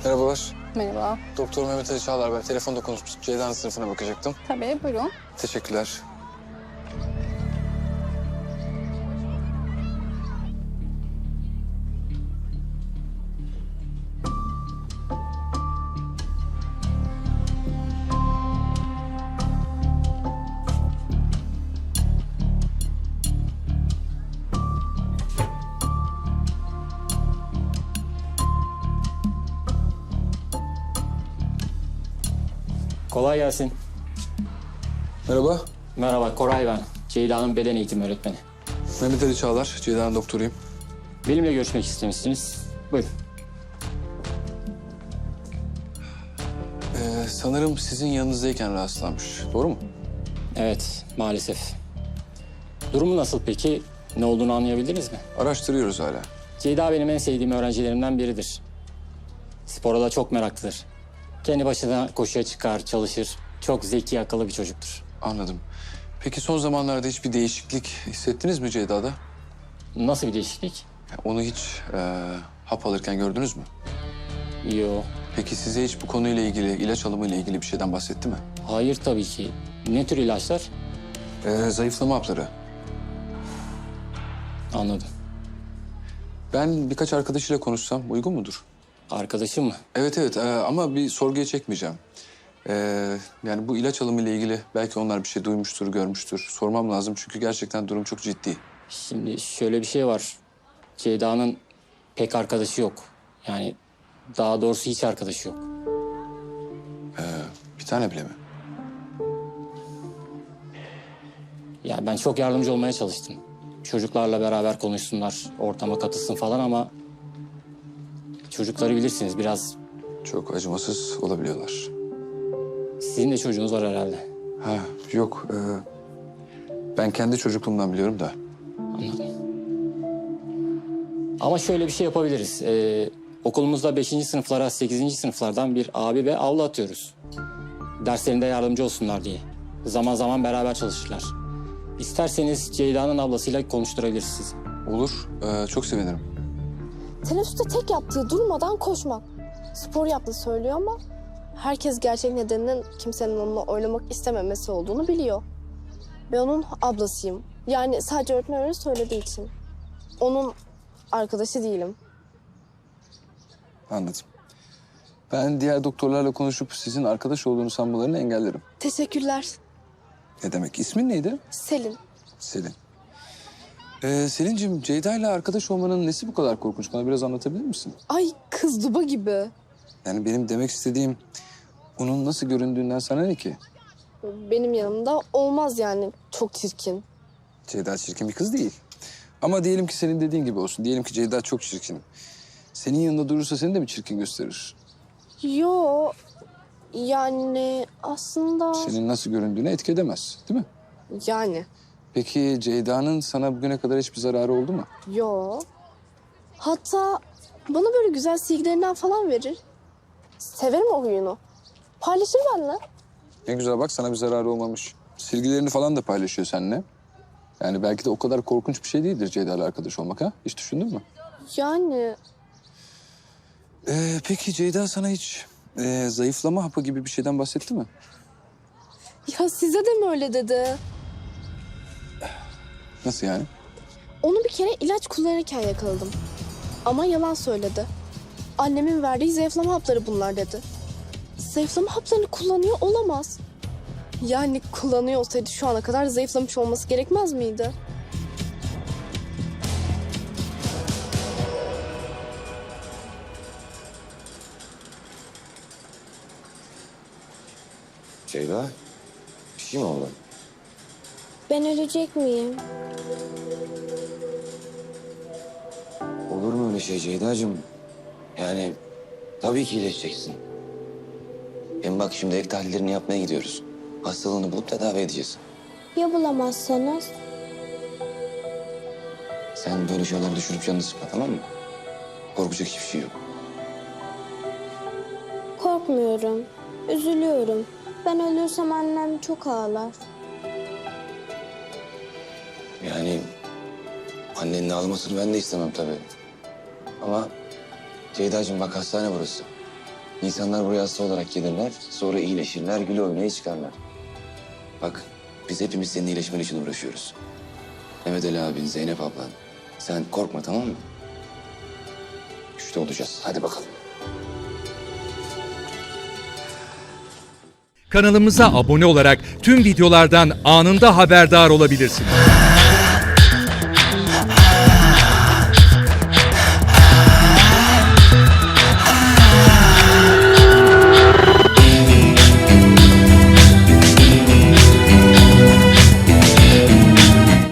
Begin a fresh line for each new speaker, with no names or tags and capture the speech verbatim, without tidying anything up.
Merhabalar.
Merhaba.
Doktor Mehmet Ali Çağlar ben. Telefonda konuşmuştuk. Ceyda'nın sınıfına bakacaktım.
Tabii, buyurun.
Teşekkürler.
Kolay gelsin.
Merhaba.
Merhaba, Koray ben. Ceyda'nın beden eğitimi öğretmeni.
Mehmet Ali Çağlar. Ceyda'nın doktoruyum.
Benimle görüşmek istemişsiniz. Buyurun.
Ee, sanırım sizin yanınızdayken rahatsızlanmış. Doğru mu?
Evet, maalesef. Durumu nasıl peki? Ne olduğunu anlayabildiniz mi?
Araştırıyoruz hala.
Ceyda benim en sevdiğim öğrencilerimden biridir. Spora da çok meraklıdır. Kendi başına koşuya çıkar, çalışır. Çok zeki, akıllı bir çocuktur.
Anladım. Peki son zamanlarda hiçbir değişiklik hissettiniz mi Ceyda'da?
Nasıl bir değişiklik?
Yani onu hiç e, hap alırken gördünüz mü?
Yo.
Peki size hiç bu konuyla ilgili, ilaç alımıyla ilgili bir şeyden bahsetti mi?
Hayır tabii ki. Ne tür ilaçlar?
Ee, zayıflama hapları.
Anladım.
Ben birkaç arkadaşıyla konuşsam uygun mudur?
Arkadaşım mı?
Evet evet ee, ama bir sorguya çekmeyeceğim. Ee, yani bu ilaç alımı ile ilgili belki onlar bir şey duymuştur, görmüştür. Sormam lazım çünkü gerçekten durum çok ciddi.
Şimdi şöyle bir şey var. Ceyda'nın pek arkadaşı yok. Yani daha doğrusu hiç arkadaşı yok.
Bir tane bile mi?
Yani ben çok yardımcı olmaya çalıştım. Çocuklarla beraber konuşsunlar, ortama katılsın falan ama... Çocukları bilirsiniz biraz.
Çok acımasız olabiliyorlar.
Sizin de çocuğunuz var herhalde.
Ha yok. ee, ben kendi çocukluğumdan biliyorum da.
Anladım. Ama şöyle bir şey yapabiliriz. Ee, okulumuzda beşinci sınıflara, sekizinci sınıflardan bir abi ve abla atıyoruz. Derslerinde yardımcı olsunlar diye. Zaman zaman beraber çalışırlar. İsterseniz Ceyda'nın ablasıyla konuşturabiliriz sizi.
Olur. ee, çok sevinirim.
Teneffüste tek yaptığı durmadan koşmak. Spor yaptığı söylüyor ama herkes gerçek nedeninin kimsenin onunla oynamak istememesi olduğunu biliyor. Ben onun ablasıyım. Yani sadece öğretmen öyle söylediği için. Onun arkadaşı değilim.
Anladım. Ben diğer doktorlarla konuşup sizin arkadaş olduğunu sanmalarını engellerim.
Teşekkürler.
Ne demek? İsmin neydi?
Selin.
Selin. Ee, Selin'cim Ceyda ile arkadaş olmanın nesi bu kadar korkunç? Bana biraz anlatabilir misin?
Ay kız duba gibi.
Yani benim demek istediğim onun nasıl göründüğünden sana ne ki?
Benim yanımda olmaz yani. Çok çirkin.
Ceyda çirkin bir kız değil. Ama diyelim ki senin dediğin gibi olsun. Diyelim ki Ceyda çok çirkin. Senin yanında durursa seni de mi çirkin gösterir?
Yo. Yani aslında...
Senin nasıl göründüğüne etki edemez, değil mi?
Yani.
Peki Ceyda'nın sana bugüne kadar hiçbir zararı oldu mu?
Yo. Hatta bana böyle güzel silgilerinden falan verir. Severim o huyunu. Paylaşır benimle.
Ne güzel bak sana bir zararı olmamış. Silgilerini falan da paylaşıyor seninle. Yani belki de o kadar korkunç bir şey değildir Ceyda'yla arkadaş olmak ha? Hiç düşündün mü?
Yani
Ee, peki Ceyda sana hiç e, zayıflama hapı gibi bir şeyden bahsetti mi?
ya size de mi öyle dedi?
Nasıl yani?
Onu bir kere ilaç kullanırken yakaladım. Ama yalan söyledi. Annemin verdiği zayıflama hapları bunlar dedi. Zayıflama haplarını kullanıyor olamaz. Yani kullanıyor olsaydı şu ana kadar zayıflamış olması gerekmez miydi?
Ceyda, bir şey mi oldu?
Ben ölecek miyim?
Olur mu öyle şey Ceyda'cığım? Yani tabii ki iyileşeceksin. Hem bak şimdi ek tahlillerini yapmaya gidiyoruz. Hastalığını bulup tedavi edeceğiz.
Ya bulamazsanız?
Sen böyle şeyler düşünüp canını sıkma, tamam mı? Korkacak hiçbir şey yok.
Korkmuyorum. Üzülüyorum. Ben ölürsem annem çok ağlar.
Yani annenin ağlamasını ben de istemem tabii. Ama Ceyda'cığım bak hastane burası. İnsanlar buraya hasta olarak gelirler, sonra iyileşirler, güle oynaya çıkarlar. Bak, biz hepimiz senin iyileşmen için uğraşıyoruz. Mehmet Ali abin, Zeynep ablan. Sen korkma, tamam mı? Güçlü olacağız. Hadi bakalım.
Kanalımıza abone olarak tüm videolardan anında haberdar olabilirsiniz.